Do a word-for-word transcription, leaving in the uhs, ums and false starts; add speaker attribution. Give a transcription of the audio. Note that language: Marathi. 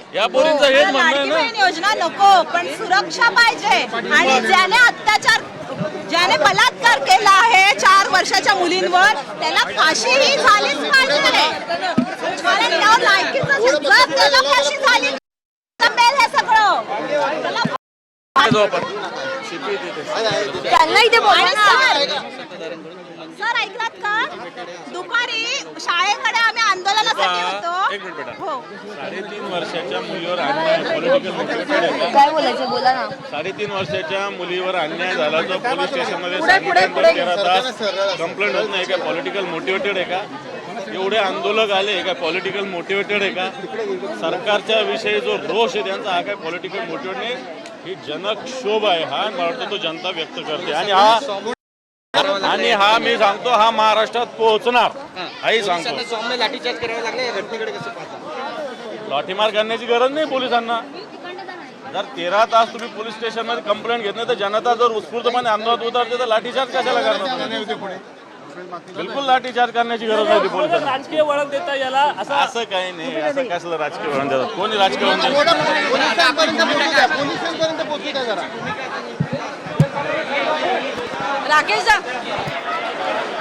Speaker 1: या पोरींचं हेच म्हणणं आहे
Speaker 2: लाडकी
Speaker 1: ना.
Speaker 2: बहीण योजना नको, पण सुरक्षा पाहिजे. आणि ज्याने अत्याचार ज्याने बलात्कार केला आहे चार वर्षाच्या मुलींवर त्याला फाशी ही झालीच पाहिजे. कारण या लायकीचं जे जग त्याला फाशी झाली जमेल हे सगळं. त्याला
Speaker 3: त्यांना इथे बोला ना.
Speaker 2: सर ऐकलात का? दुपारी शाळेकडे आम्ही आंदोलनासाठी होतो.
Speaker 1: एक मिनिट बेटा.
Speaker 2: हो.
Speaker 1: साडेतीन वर्षाच्या मुलीवर अन्याय पॉलिटिकल मोटिवेटेड आहे का?
Speaker 3: काय बोलायचं बोला ना.
Speaker 1: साडेतीन वर्षाच्या मुलीवर अन्याय झाला तो पोलीस स्टेशनमध्ये सांगितल्यानंतर तेरा तास कंप्लेंट होत नाही का? पॉलिटिकल मोटिवेटेड आहे का? एवढे आंदोलक आले काय पॉलिटिकल मोटिवेटेड आहे का? सरकारच्या विषयी जो रोष आहे त्यांचा हा काय पॉलिटिकल मोटिवेट नाही. ही जनक्षोभ आहे हा. मला वाटतं तो जनता व्यक्त करते आणि हा आणि हा मी सांगतो हा महाराष्ट्रात पोहोचणार हाही सांगतो.
Speaker 4: सौम्य लाठीचार्ज करावे लागले या घटनेकडे कसं पाहता?
Speaker 1: लाठीमार करण्याची गरज नाही पोलिसांना. जर तेरा तास तुम्ही पोलीस स्टेशनमध्ये कंप्लेंट घेत नाही तर जनता जर उत्स्फूर्तपणे आंदोलनात उतरते तर लाठीचार्ज कशाला करणार? बिलकुल लाठीचार्ज करण्याची गरज नव्हती पोलिसांना.
Speaker 5: राजकीय वळण देता याला असं
Speaker 1: असं काही नाही. असं कसलं राजकीय वळण देतात? कोणी राजकीय वळण देतात?
Speaker 4: पोलिसांपर्यंत पोहोचू द्या, पोलिसांपर्यंत पोहोचू द्या जरा.
Speaker 2: राकेश जा.